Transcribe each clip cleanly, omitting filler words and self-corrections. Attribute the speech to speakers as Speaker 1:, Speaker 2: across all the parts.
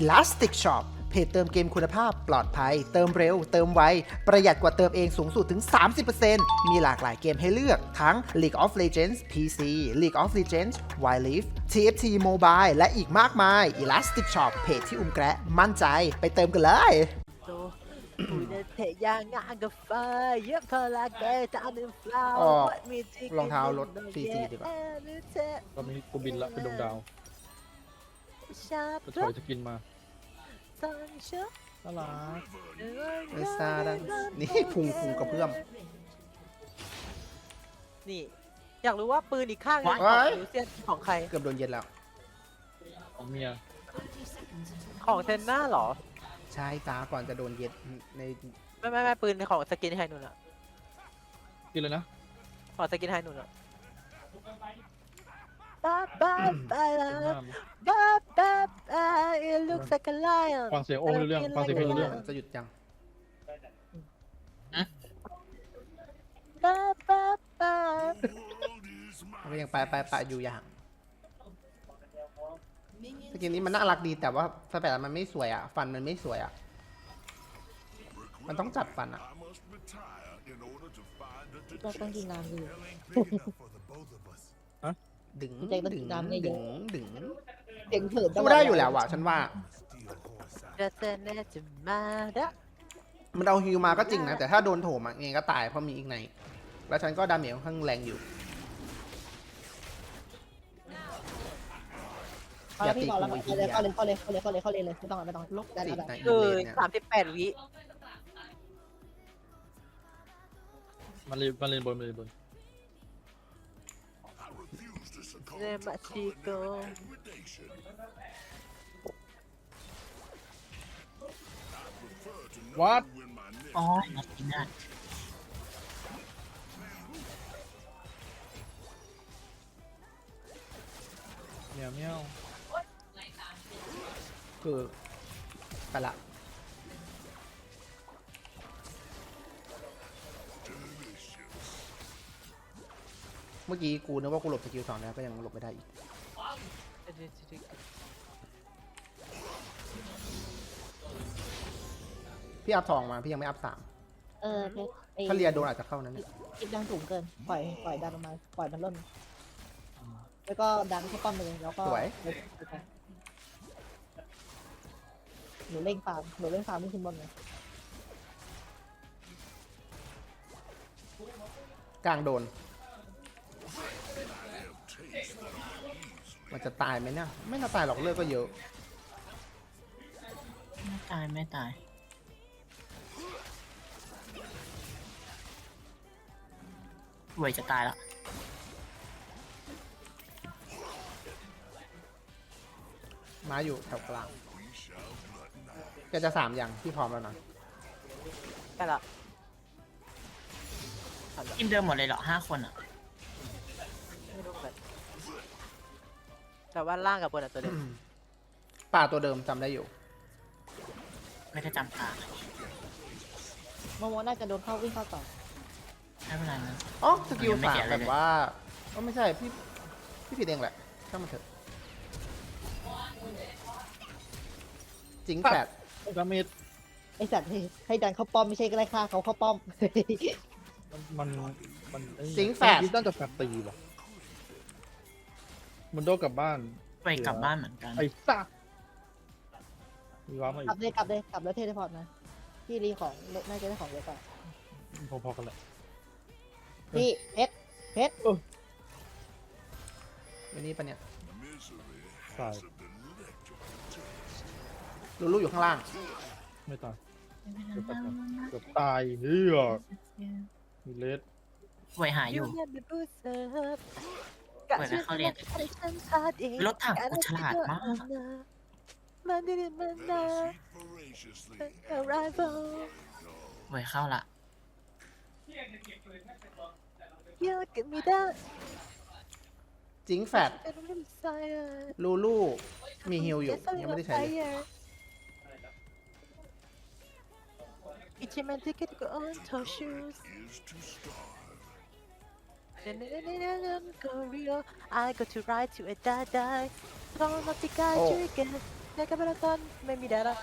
Speaker 1: Elastic Shop เพจเติมเกมคุณภาพปลอดภัยเติมเร็วเติมไวประหยัดกว่าเติมเองสูงสุดถึง 30% มีหลากหลายเกมให้เลือกทั้ง League of Legends PC League of Legends Wild Rift TFT Mobile และอีกมากมาย Elastic Shop เพจที่อุ้มแกะมั่นใจไปเติมกันเลย อ๋อรองเท้ารถ CC ดีกว่า
Speaker 2: ตอนนี้กูบินละเป็นดวงดาวจะถอยจะกินมาน่ารัก
Speaker 1: ไม่ซาดังนี่พุงกระเพื่อม
Speaker 3: นี่อยากรู้ว่าปืนอีกข้างหนึงข
Speaker 1: ว้า
Speaker 3: อง
Speaker 1: ย
Speaker 3: นิวเซียนของใคร
Speaker 1: เกือบโดนเย็นแล้ว
Speaker 2: ของเมีย
Speaker 3: ของเซนน่าเหรอ
Speaker 1: ใช่จ้าก่อนจะโดนเย็นใน
Speaker 3: ไม่ปืนของสกินไฮนุนอะ
Speaker 2: กินเลยนะ
Speaker 3: ของสกินไฮนุนอะบ้าบ้าบ้า
Speaker 2: เป็นหน้า
Speaker 3: บ้าบ้าบ้า it looks like a lion
Speaker 2: ฟังเสียงโอ้ไม่รู้เรื่องฟังเสียงเพลงรู้เรื่อง
Speaker 1: จะหยุดยัง
Speaker 3: บ้าบ้าบ้า
Speaker 1: ไม่ยังไปอยู่อย่างสกินนี้มันน่ารักดีแต่ว่าสเปรดมันไม่สวยอ่ะ ฟันมันไม่สวยอ่ะ มันต้องจัดฟันอ่ะ
Speaker 4: ก็ต้องกินน้ำอยู่
Speaker 1: ดึง
Speaker 4: ใจมันดำเนี่ยเย
Speaker 1: ดึ
Speaker 4: อะ
Speaker 1: งดึง
Speaker 4: เสียงเถิด
Speaker 1: สู้ได้อยู่แล้วอ่ะ ฉันว่า
Speaker 3: จะเซนเนจะมาดะ
Speaker 1: มันเอาฮิวมาก็จริงนะ แต่ถ้าโดนโถมอ่ะยังไงก็ตายเพราะมีอีกไนท์แล้วฉันก็ดาเมจค่อนข้างแรงอยู่
Speaker 4: เอาละพี่ก่อนแล้วเข้าเลยเลยไม่ต้องไม่ต้อง
Speaker 1: ลบ
Speaker 4: ได้
Speaker 1: สิ
Speaker 4: ได้
Speaker 1: ใน
Speaker 3: คือ
Speaker 1: เนี่ย
Speaker 3: 38 วิ
Speaker 2: มันเรียนบน
Speaker 3: เนมาชิโก
Speaker 2: วัด
Speaker 5: อ๋อนัดกินได้
Speaker 2: เมียวเมียว
Speaker 1: คือไปละเมื่อกี้กูนึกว่ากูหลบสกิล2แล้วก็ยังหลบไม่ได้อีก พี่อัพ2มาพี่ยังไม่อัพ3
Speaker 4: เพชรไอ้
Speaker 1: ถ้าเรียโดนอาจจะเข้านั้นเนี่ย
Speaker 4: คิดดังสูงเกินปล่อยดันออกมาปล่อยมันล่นแล้วก็ดันเข้าป้อมไปเลยแล้วก็หนูเล่งฟาร์มไม่ขึ้นบนเลย
Speaker 1: กลางโดน มันจะตายไหมเนี่ยไม่น่าตายหรอกเลือดก็เยอะ
Speaker 5: ไม่ตายเวยจะตายแล้ว
Speaker 1: ม้าอยู่แถวกลางแกจะ3อย่างที่พร้อมแล้วนะ
Speaker 3: ไปละ
Speaker 5: ทีมเดิมหมดเลยเหรอ5 คนอ่ะ
Speaker 3: ไม่รู้เหมือนแต่ว่าล่างกับบนอะตัวเดิม
Speaker 1: ป่าตัวเดิมจำได้อยู่
Speaker 5: ไม่ได้จำตา
Speaker 4: โมโมน่าจะโดนเข้าวิ่งเข้าต่อ
Speaker 5: ไม่เป็นไรนะ
Speaker 1: อ๋อสกิล
Speaker 5: ยังไม่
Speaker 1: 3
Speaker 5: เสียอะไร
Speaker 1: แบบ
Speaker 5: เลย
Speaker 1: ว่าก็ไม่ใช่พี่ผิดเองแหละช่างมันเถอะจริงแปด
Speaker 2: ดาเมจ
Speaker 4: ไอสัตว์ให้ดันเข้าป้อมไม่ใช่ก็ไล่ฆ่าเขาเข้าป้อม
Speaker 2: มัน
Speaker 1: สิงแฝด
Speaker 2: คิดน่าจะแฝดตีว่ะมันโดนกลับบ้าน
Speaker 5: ไปกลับบ้านเหมือนกัน
Speaker 2: ไอ้ซ่ามีว้ามาอี
Speaker 4: กลับแล้วเทเลพอร์ตนะพี่รีของน่าจะได้ของเยอะกว่า
Speaker 2: พอๆกันแหละ
Speaker 4: พี่เพชร
Speaker 1: วันนี้ปะเนี่ย
Speaker 2: ตาย
Speaker 1: ลูอยู่ข้างล่าง
Speaker 2: ไม่ตายเกือบตายเฮียมีเลส
Speaker 5: เวยหายอยู่
Speaker 3: เนบูเซอร์
Speaker 5: เปิดแล้วเข้าเรียน รถถังกูฉลาดมาก
Speaker 3: มันดีมันนะ arrival
Speaker 5: เวยเข้าละ
Speaker 3: you give me that
Speaker 1: จิงแฟด
Speaker 3: and I'm desire
Speaker 1: ลูมีฮิลอยู่ยังไม่ได้ใช้เลย
Speaker 3: Each man take it go on toe shoes Go real I go to ride to a die Don't not the guy
Speaker 1: Oh.
Speaker 3: you get เด็กกับเบลตันไม่มีแดดละ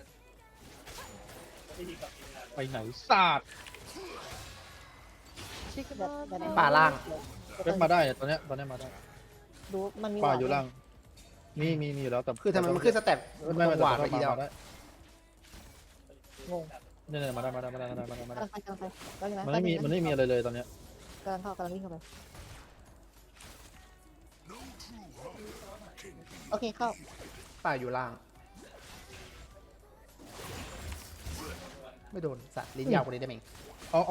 Speaker 2: ไปไหนศาสตร์
Speaker 3: ชิคกี้
Speaker 4: แบบแบบ
Speaker 3: พาย
Speaker 1: ป่าล่าง
Speaker 2: เว็บมาได้เนี่ยตอนเนี้ยมาได้
Speaker 4: ดูมันมี
Speaker 2: ป่า
Speaker 4: หวด
Speaker 2: อยู่ล่างมีอยู่แล้วแต่
Speaker 1: คือทำไมมันขึ้นสเต็ป
Speaker 2: ไม่
Speaker 1: หวานไปทีเดียว
Speaker 2: ได้
Speaker 4: งง
Speaker 2: เนี่ยมาได้
Speaker 4: กำลังไปแล้วนะ
Speaker 2: มันไม่มีอะไรเลยตอนเนี้ย
Speaker 4: กำลังวิ่งเข้าไปโอเคเข้า
Speaker 1: ป่าอยู่ล่าง ไม่โดนสัตว์ลิ้นยาวกว่านี้ได้ไหม
Speaker 2: เอา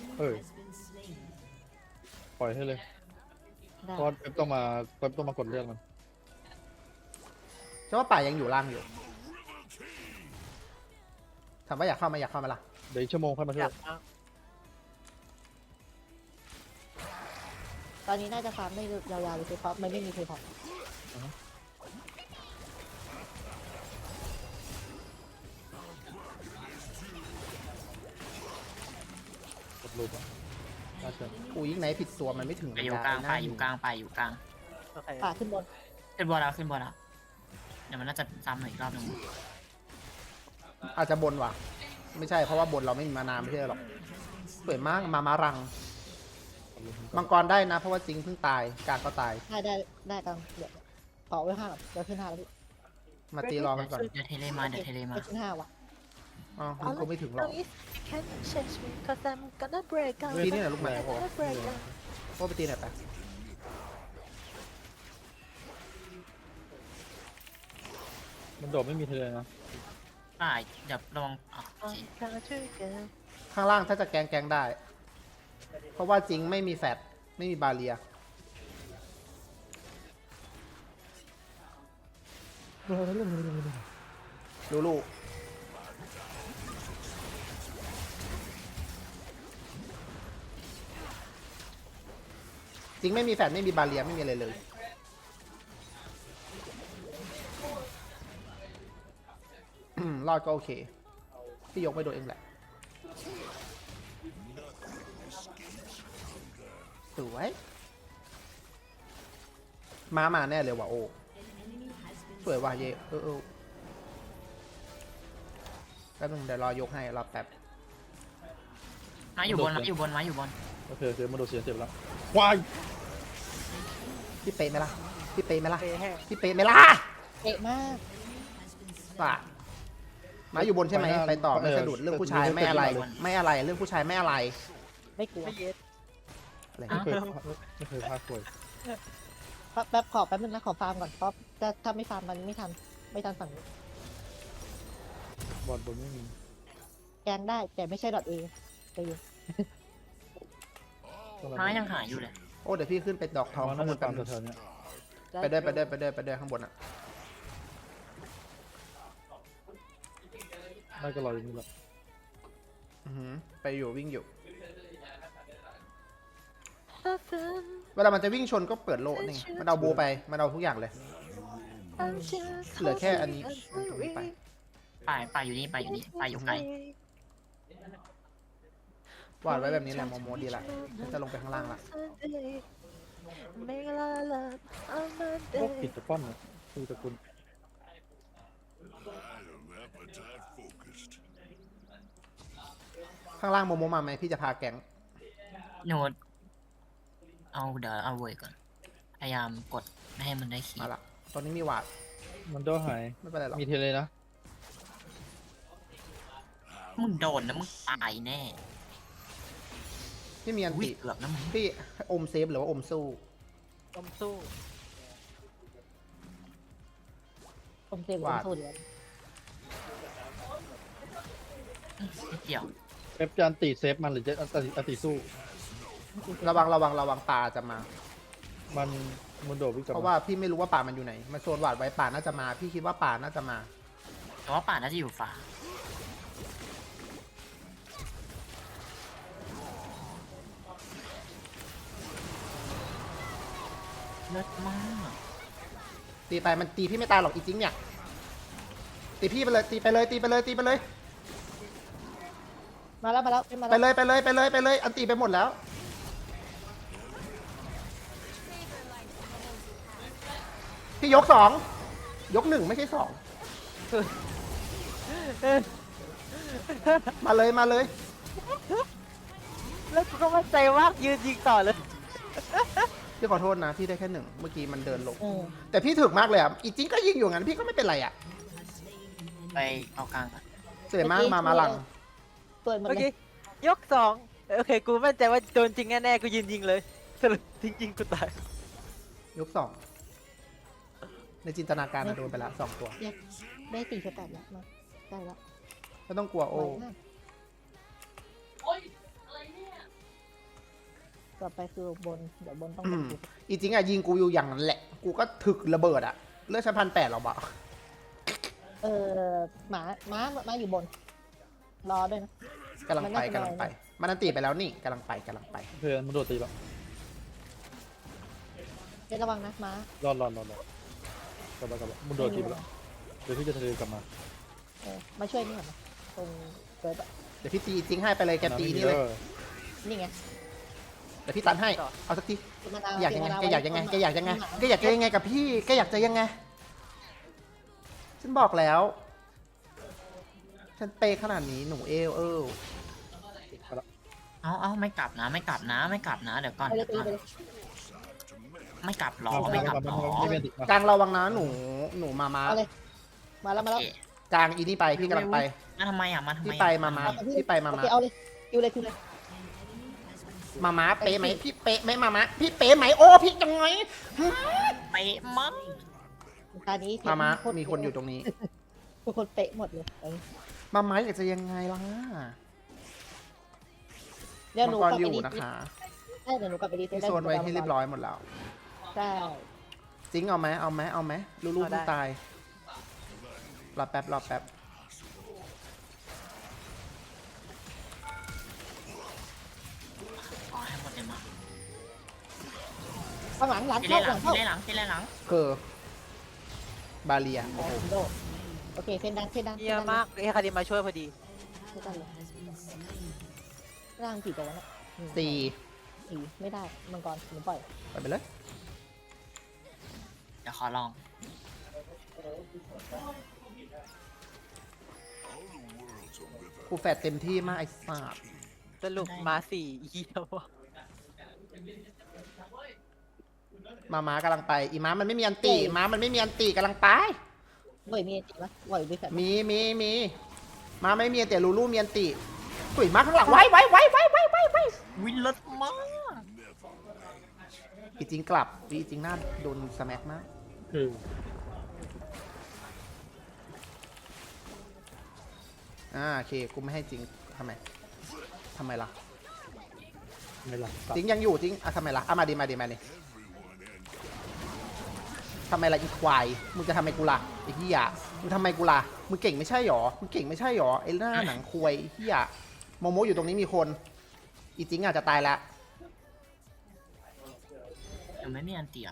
Speaker 2: ปล่อยให้เลย
Speaker 4: ได้
Speaker 2: เพราะเว็บต้องมากดเรื่องมัน
Speaker 1: ใช่ว่าป่ายังอยู่ล่างอยู่ถามว่าอยากเข้ามาล่ะ
Speaker 2: เดี๋ยวอีกชั่วโมงค่อยมา
Speaker 3: อ
Speaker 2: เที่ย
Speaker 3: ยาว กเอา
Speaker 4: ตอนนี้น่าจะฟาร์มได้ยาวๆเลยเพราะมันไม่มีเพย์พอ
Speaker 2: กดรูปอ่ะน่าเชื่อ
Speaker 1: กูยิ่งไหนผิดตัวมันไม่ถึง
Speaker 5: ไปอยู่กลางไปอยู่กลางไปอยู่กลาง
Speaker 3: โอเค
Speaker 4: ป่าขึ้นบน
Speaker 5: ขึ้นบอลแล้วเดี๋ยวมันน่าจะซ้ำหน่อยอีกรอบหนึง
Speaker 1: อาจจะบนว่ะ ไม่ใช่เพราะว่าบนเราไม่มีมานานไม่ใช่หรอกสวยมากมารัง มังกรได้นะ เพราะว่าจิงเพิ่งตายกลางก็ตาย
Speaker 4: ได้กำลังเดี๋ยวต่อไว้5เดี๋ยวขึ้น5แล้วพี่
Speaker 1: มาตีรอกันก่อน
Speaker 5: เดี๋ยวเทเลมา
Speaker 4: ไปขึ้น5ว่ะ
Speaker 1: อ๋อมันคงไม่ถึงหรอก
Speaker 3: You can't change me cause I'm gonna break out
Speaker 1: ตีนี่แหละลูกแม่
Speaker 3: I'm gonna break out
Speaker 1: โอ้ไปตีหน่อยไป
Speaker 2: มันโดดไม่มีเทเลนะ
Speaker 5: ป่าเดี๋ยวลองโอเค
Speaker 3: I'm gonna trigger
Speaker 1: ข้างล่างถ้าจะแกงได้ เพราะว่าจิงไม่มีแฟดไม่มีบาเรียลูจิงไม่มีแฟดไม่มีบาเรียไม่มีอะไรเลยรอดก็โอเคพี่ยกไม่โดนเองแหละสวยมาแน่เลยว่ะโอ้สวยว่ะเยแป๊บนึงเดี๋ยวรอยกให้รอแป๊บ
Speaker 5: มาอยู่บน
Speaker 2: โอเคมันโดดเสียเจ็บแล้ววาย
Speaker 1: พี่เป๊ะไหมล่ะพี่เป๊ะไหมล่ะ
Speaker 3: เปย์แห้ง
Speaker 1: พี่เป๊ะไหมล่ะ
Speaker 4: เอะมาก
Speaker 1: ป่ะมาอยู่บนใช่ไหมไปต่อไม่สะดุดเรื่องผู้ชายไม่อะไรเรื่องผู้ชายไม่อะไร
Speaker 4: ไม่กลัว
Speaker 3: ไม่เย็ด
Speaker 1: อะไร
Speaker 2: ไม่เคยพลาดป่วย
Speaker 4: แป๊บขอแป๊บนึงนะขอฟาร์มก่อนเพราะถ้าไม่ฟาร์มมันไม่ทันฝั่งนี้
Speaker 2: บอลบนไม่มี
Speaker 4: แกงได้แต่ไม่ใช่ดอทเอไปอยู่
Speaker 5: ม้ายังหายอยู่เลย
Speaker 1: โอ้เดี๋ยวพี่ขึ้นไปดอกทอง
Speaker 2: มัน
Speaker 1: ข้า
Speaker 2: น่าง
Speaker 1: บ
Speaker 2: จะ
Speaker 1: น
Speaker 2: ตามแถวๆเนี้ย
Speaker 1: ไปด้วยข้างบนอ่ะ
Speaker 2: ได้ก็รออยู่นี่แหละ
Speaker 1: ไปอยู่วิ่งอยู่
Speaker 3: Often
Speaker 1: เวลามันจะวิ่งชนก็เปิดโล่นี่มันเอาโบไปมันเอาทุกอย่างเลย
Speaker 3: I'm just
Speaker 1: เหลือแค่อันนี้
Speaker 3: holding
Speaker 1: ตรงนี้ไป
Speaker 5: ป่าอยู่นี่ป่าอยู่ไกล
Speaker 1: วาดไว้แบบนี้แหละโมดีละฉันจะลงไปข้างล่างละ
Speaker 3: Make a lot of love on
Speaker 2: พวก
Speaker 3: Monday
Speaker 2: ปิดตะป้อมเนี่ยคือตะกุล
Speaker 1: ข้างล่างโมมาไหมพี่จะพาแก๊ง
Speaker 5: โนดเดี๋ยวเอาเว้ยก่อนพยายามกดไม่ให้มันได้ขี
Speaker 1: มาละตอนนี้มีวาด
Speaker 2: มันโดดหาย
Speaker 1: ไม่เป็นไรหรอก
Speaker 2: มีเทเลนะ
Speaker 5: มึงโดนนะมึงตายแน่
Speaker 1: พี่มีอัน
Speaker 5: วิ่
Speaker 1: ติ
Speaker 5: เกือบนะมึง
Speaker 1: พี่อมเซฟหรือว่าอมสู้
Speaker 3: อมสู้
Speaker 4: ผมเซฟผมสู้เดี๋ยว
Speaker 5: นิดเดียว
Speaker 2: เอฟจานตีเซฟมันหรือจะอันตีสู้
Speaker 1: ระวังป่าจะมา
Speaker 2: มันโดดวิ่งกลับ
Speaker 1: เพราะว่าพี่ไม่รู้ว่าป่ามันอยู่ไหนมันโซนวาดไว้ป่าน่าจะมา พี่คิดว่าป่าน่าจะมา
Speaker 5: แต่ว่าป่าน่าจะอยู่ฝาเลิศมาก
Speaker 1: ตีไปมันตีพี่ไม่ตายหรอกอีจริงเนี่ยตีพี่ไปเลยตีไปเลย
Speaker 4: มาแล้ว
Speaker 1: ไปเลยอันตีไปหมดแล้วพี่ยก2ยก1ไม่ใช่2 มาเลยมาเลย
Speaker 3: แล้วกูก็มั่นใจมากยืนยิงต่อเลย
Speaker 1: พี่ขอโทษนะพี่ได้แค่หนึ่งเมื่อกี้มันเดินลง
Speaker 4: อืม
Speaker 1: แต่พี่ถึกมากเลยอ่ะอีจริงก็ยิงอยู่งั้นพี่ก็ไม่เป็นไรอ่ะ
Speaker 5: ไปเอากลางก่อน
Speaker 1: เสวยมากมาหลัง
Speaker 4: เปิดหมด
Speaker 3: โอ
Speaker 4: เล
Speaker 3: เค
Speaker 4: ย
Speaker 3: ยกสองโอเคกูมั่นใจว่าโดนจริงแน่ๆกูยืนยิงเลยสรุปจริงๆกูตาย
Speaker 1: ยกสองในจินตนาการนะโดนไปละสองตัว
Speaker 4: ได้ตีสแตทแล้วมาได้แล้ว
Speaker 1: ไม่ต้องกลัวโอ้
Speaker 4: ไวมากต่อไปคือบนเดี๋ยวบนต้องเป็นกู
Speaker 1: อีจริงอ่ะยิงกูอยู่อย่างนั้นแหละ กูก็ถึกระเบิดอ่ะเลือดชั้น1,800หรอเปล่า
Speaker 4: ม้าอยู่บน รอด้วยนะ
Speaker 1: กำลังไป
Speaker 4: มันน่าจะ
Speaker 1: กำลังไป
Speaker 4: ลอยนะ
Speaker 1: มันอันตีไปแล้วนี่กำลังไปกำลังไป
Speaker 2: เพื่อนมันโดดตีแล้ว
Speaker 4: เดี๋ยวระวังนะม้าร
Speaker 2: อดกลับมามันโดดตีไปแล้วเดี๋ยวพี่จะทะเลกลับมา
Speaker 4: มาช่วยนี่ก่อนนะตรงเกิดอะ
Speaker 1: เดี๋ยวพี่ตีจริงให้ไปเลยแกตีนี่เลย
Speaker 4: นี่ไง
Speaker 1: เดี๋ยวพี่ตันให้ เอาสักที
Speaker 4: มะนาว
Speaker 1: อยากยังไง
Speaker 4: มะนาว
Speaker 1: แกอยากยังไง
Speaker 4: ว้
Speaker 1: แกอยากยังไงแกอยากจะยังไงกับพี่แกอยากจะยังไง ฉันบอกแล้ว ฉันเปย์ขนาดนี้หนู
Speaker 5: เอาไม่กลับนะไม่กลับนะไม่กลับนะเดี๋ยวก่อน
Speaker 4: ไปเลย
Speaker 5: เดี๋ยว
Speaker 4: ไป
Speaker 5: ก่อน
Speaker 4: เลย
Speaker 5: ไม่กลับหรอไม่กลับหรอ
Speaker 2: ไม่เป็นติด
Speaker 1: กลางระวังนะหนูมา
Speaker 4: เอาเลยมาแล้ว
Speaker 5: โอเค
Speaker 1: กลางอีนี่ไปพี่กำลังไป
Speaker 5: มาทำไมอ่ะมาทำไม
Speaker 1: พี่ไปมา พี่ไปมา
Speaker 4: โอเคเอาเลยคิวเลย
Speaker 1: มาเป๊ะไหมพี่เป๊ะไหมมาพี่เป๊ะไหมโอ้พี่จังไง
Speaker 5: ไปมั้ง
Speaker 4: ตอนนี้
Speaker 1: มามีคนอยู่ตรงนี้
Speaker 4: ทุกคนเป๊ะหมดเลย
Speaker 1: มาอยากจะยังไงล่ะ
Speaker 4: เดี๋ยว
Speaker 1: มั
Speaker 4: ห
Speaker 1: ง
Speaker 4: นู
Speaker 1: ก
Speaker 4: ก
Speaker 1: ร
Speaker 4: ลับ
Speaker 1: อ
Speaker 4: ไป
Speaker 1: ยู่
Speaker 4: ดี
Speaker 1: นะคะ
Speaker 4: ใช่เดี๋ยวหนูกลับไปดี
Speaker 1: พี่โซนไว้ให้เรียบร้อยหมดแล้ว
Speaker 4: ใช่
Speaker 1: จริงเอาไหมลูกๆตายรอแป๊บ
Speaker 5: อ๋อให้หมดเลยมา
Speaker 4: ข้างหลังหลัง
Speaker 5: ที่
Speaker 4: เข้า
Speaker 5: เล่น
Speaker 4: ห
Speaker 5: ห
Speaker 4: ลั
Speaker 5: ลั
Speaker 4: ง
Speaker 5: ง
Speaker 4: เข้า
Speaker 5: ที่เล่นหลังที่เล่นหลัง
Speaker 1: คือบาเลีย
Speaker 4: โอ้โหโดดโอเคเส้นดัน
Speaker 3: เยี่ยมมากไอ้คาดิมาช่วยพอดี
Speaker 4: ไม่ได้เลยร่างกี่ตัวแล้ว
Speaker 1: สี่
Speaker 4: สี่ไม่ได้มังกรหนูปล่อย
Speaker 1: ไปเลย
Speaker 5: เดี๋ยวขอลอง
Speaker 1: กูแฟดเต็มที่มากไอ้สัส
Speaker 3: สรุปมาสี่เยี่ยมว่ะ
Speaker 1: ม้ากำลังไปอีม้ามันไม่มีอันตีม้ามันไม่มีอันตีกำลังไป
Speaker 4: บ่อยมีจริงปะบ่อยด้วยกัน
Speaker 1: มีม้าไม่มีแต่ลูมีอันตีตุ๋ยม้าข้างหลังไว้
Speaker 5: วินรถมาก
Speaker 1: อีจริงกลับอีจริงหน้าโดนสแม็กมาก
Speaker 2: คือ
Speaker 1: โอเคกูไม่ให้จริงทำไมล่ะ
Speaker 2: ไม่หลับ
Speaker 1: จริงยังอยู่จริงทำไมล่ะมาดิทำไมล่ะอีควายมึงจะทำไมกูล่ะไอ้เหี้ยมึงทำไมกูล่ะมึงเก่งไม่ใช่หรอไอ้หน้าหนังควายเหี้ยโมโมอยู่ตรงนี้มีคนอีจริงอาจจะตายแล้ว
Speaker 5: ยังไม่มีอันเตีย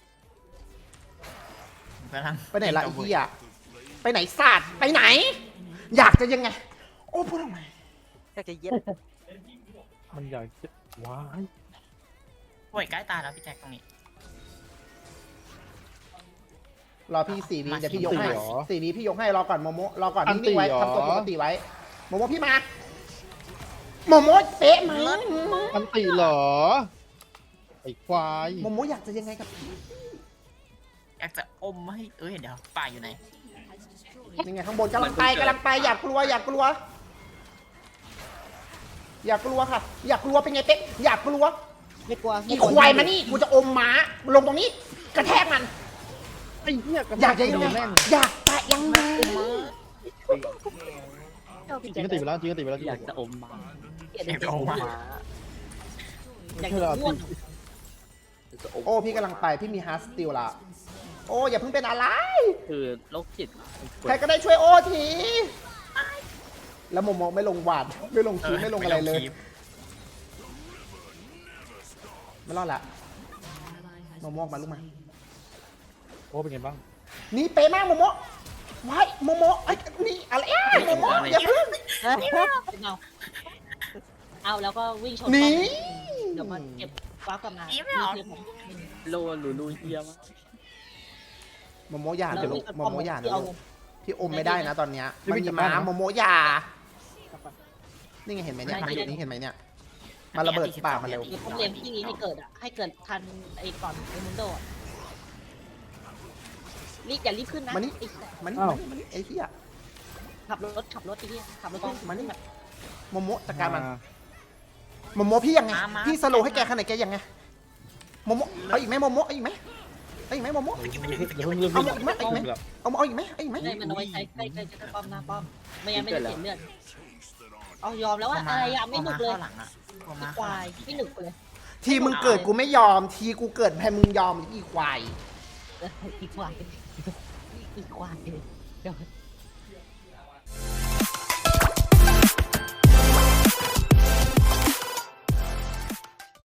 Speaker 5: กำลัง
Speaker 1: ไปไหนล่ะไอ้เหี้ยไปไหนศาสตร์ไปไหน อยากจะยังไง โอ้พูดทำไม
Speaker 3: อยากจะเย็ด
Speaker 2: มันอยากจะว้าย
Speaker 5: ป่วยใกล้ตายแล้วพี่แจ็คตรงนี้
Speaker 1: รอพี่4 วิเดี๋ยวพี่ยกให้
Speaker 2: เหรอ
Speaker 1: 4 วิพี่ยกให้รอก่อนโมโมรอก่อน
Speaker 2: อันติ
Speaker 1: นิ่งๆไว้
Speaker 2: เหรอ
Speaker 1: ทำตัวปกติไว้โมโมพี่มาโมโมเป๊ะไหม
Speaker 2: อันติเหรอไอ้ควาย
Speaker 1: โมโมอยากจะยังไงกับพี่
Speaker 5: อยากจะอมให้เดี๋ยวป่าอยู่ไหน
Speaker 1: ยังไงข้างบนกำลังไปอยากกลัวค่ะ อยากกลัวเป็นไงเป๊ะอยากกลัว
Speaker 4: ไม่กลัว
Speaker 1: อีควายมานี่กูจะอมม้าลงตรงนี้ กระแทกมัน
Speaker 2: ไอ้เหี้ย
Speaker 1: อยากจะยังไง
Speaker 2: แม่ง
Speaker 1: อยากจะยังไง
Speaker 2: จริงก็ติดไปแล้วจริงก็ติดไปแล้ว
Speaker 6: อยากจะอมมา
Speaker 4: เกลียด
Speaker 5: อยากจะอม
Speaker 4: หมา
Speaker 5: มา
Speaker 4: อยากจะอ้วน
Speaker 6: อยากจะอม
Speaker 1: โอ้พี่กำลังไปพี่มีฮาร์ดสติลละโอ้อย่าเพิ่งเป็นอะไร
Speaker 6: คือโรคจิต
Speaker 1: ใครก็ได้ช่วยโอ้ทีแล้วโมโมไม่ลงหวาดไม่ลงคีไม่ลงอะไรเลย ไม่รอดละโมโมออกมาลูกมา
Speaker 2: โอ้เป็นไงบ้าง
Speaker 1: นี่เป๊ะมากโมโมไว้โมโมไอ้ยนี่อะไรโมโมอย่าเพิ่ง
Speaker 4: เอาแล้วก็วิ่งชน
Speaker 1: หนี
Speaker 4: เดี๋ยวมันเก็บฟ้ากลับมา
Speaker 6: โลหรูลูเฮียมาก
Speaker 1: โมโมอย่า
Speaker 4: แล้ว
Speaker 1: เดี๋ยวลู
Speaker 4: วิ่
Speaker 1: ก
Speaker 4: งชน
Speaker 1: โมโมอย่า
Speaker 4: ที่
Speaker 1: เดี๋ยว
Speaker 4: เอา
Speaker 1: ลูกพี่อมไม่ได้นะตอนเนี้ย
Speaker 2: พี่
Speaker 1: มัน
Speaker 2: ไม่
Speaker 1: มี
Speaker 2: จับ
Speaker 1: ม้า
Speaker 2: ได้นะ
Speaker 1: โมโมยา
Speaker 4: กลับไป
Speaker 1: นี่ไงเห็นไหมเนี่ย
Speaker 5: ได้
Speaker 1: มาอยู่
Speaker 5: ได้
Speaker 1: นี่เห็นไหมเนี่ยมาระเบิดป่ากมันเร็ว
Speaker 4: เดี๋ยวผมเลี้ยงพี่นี้ให้เกิดอ่ะให้เกิดทันไอ้ก่อนไอ้มุนโดอะรีบอย่ารีบขึ้นนะ
Speaker 1: มานี่
Speaker 4: ไอ้สัส
Speaker 1: มัน
Speaker 2: อ้าว
Speaker 1: มันไอ้เหี้ย
Speaker 4: ขับรถไอ้เหี้ยขับรถขึ้น
Speaker 1: มานี่
Speaker 4: แบบ
Speaker 1: โมโมจัดการมันโมโมพี่ยังไง
Speaker 5: มา
Speaker 1: พี่สโลว์ให้แกขนาดแกยังไงโมโมเอาอีกไหมโมโมเอาอีกไหมเอาอีกไหมโมโม
Speaker 2: อย่าเพิ่งลืม
Speaker 1: เอาอีกไหมเอาอีกไหม
Speaker 2: แล้ว
Speaker 1: เอาอีกไหมเอาอีกไหม
Speaker 4: ได้มันเอาไว้ใช้ใกล้จะป้อมหน้าป้อมไม่งั้นไม่ได้เสียเลือดเอายอมแล้วว่าอะไรอะไม่หนุกเลย
Speaker 5: ข้าหลังอะกลัว
Speaker 4: อี
Speaker 5: มา
Speaker 4: ควายไม่หนุกเลย
Speaker 1: ทีมึงเกิดกูไม่ยอม ทีกูเกิดแพ้มึงยอมอีควาย
Speaker 4: อีควายอีควายเดี๋ยว